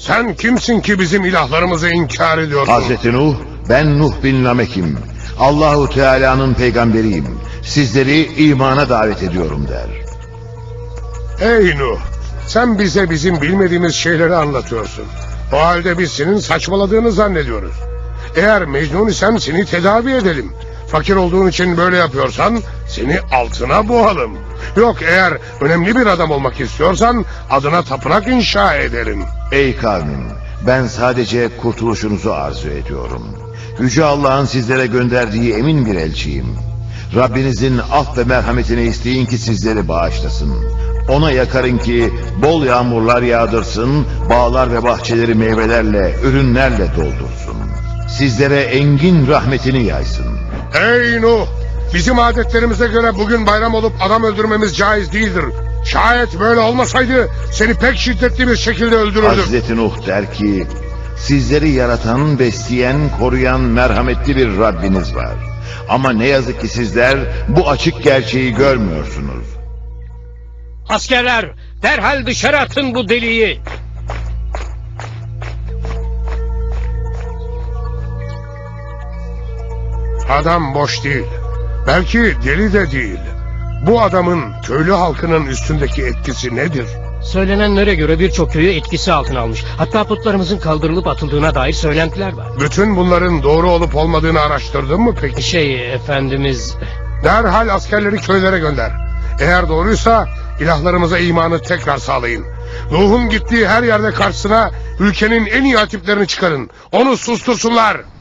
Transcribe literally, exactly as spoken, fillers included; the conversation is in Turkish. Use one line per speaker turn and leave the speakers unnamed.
Sen kimsin ki bizim ilahlarımızı inkar ediyorsun?
Hazreti Nuh, ben Nuh bin Lamek'im. Allahu Teala'nın peygamberiyim. Sizleri imana davet ediyorum der.
Ey Nuh! Sen bize bizim bilmediğimiz şeyleri anlatıyorsun. O halde biz senin saçmaladığını zannediyoruz. Eğer Mecnun isen seni tedavi edelim. Fakir olduğun için böyle yapıyorsan seni altına boğalım. Yok, eğer önemli bir adam olmak istiyorsan adına tapınak inşa edelim.
Ey kavmim, ben sadece kurtuluşunuzu arzu ediyorum. Yüce Allah'ın sizlere gönderdiği emin bir elçiyim. Rabbinizin af ve merhametini isteyin ki sizleri bağışlasın. Ona yakarın ki bol yağmurlar yağdırsın, bağlar ve bahçeleri meyvelerle, ürünlerle doldursun. Sizlere engin rahmetini yaysın.
Ey Nuh! Bizim adetlerimize göre bugün bayram olup adam öldürmemiz caiz değildir. Şayet böyle olmasaydı seni pek şiddetli bir şekilde öldürürdük.
Hazreti Nuh der ki, sizleri yaratan, besleyen, koruyan merhametli bir Rabbiniz var. Ama ne yazık ki sizler bu açık gerçeği görmüyorsunuz.
Askerler, derhal dışarı atın bu deliği.
Adam boş değil. Belki deli de değil. Bu adamın köylü halkının üstündeki etkisi nedir?
Söylenenlere göre birçok köyü etkisi altına almış. Hatta putlarımızın kaldırılıp atıldığına dair söylentiler var.
Bütün bunların doğru olup olmadığını araştırdın mı peki?
Şey efendimiz...
Derhal askerleri köylere gönder. Eğer doğruysa ilahlarımıza imanı tekrar sağlayın. Nuh'un gittiği her yerde karşısına ülkenin en iyi hatiplerini çıkarın. Onu sustursunlar.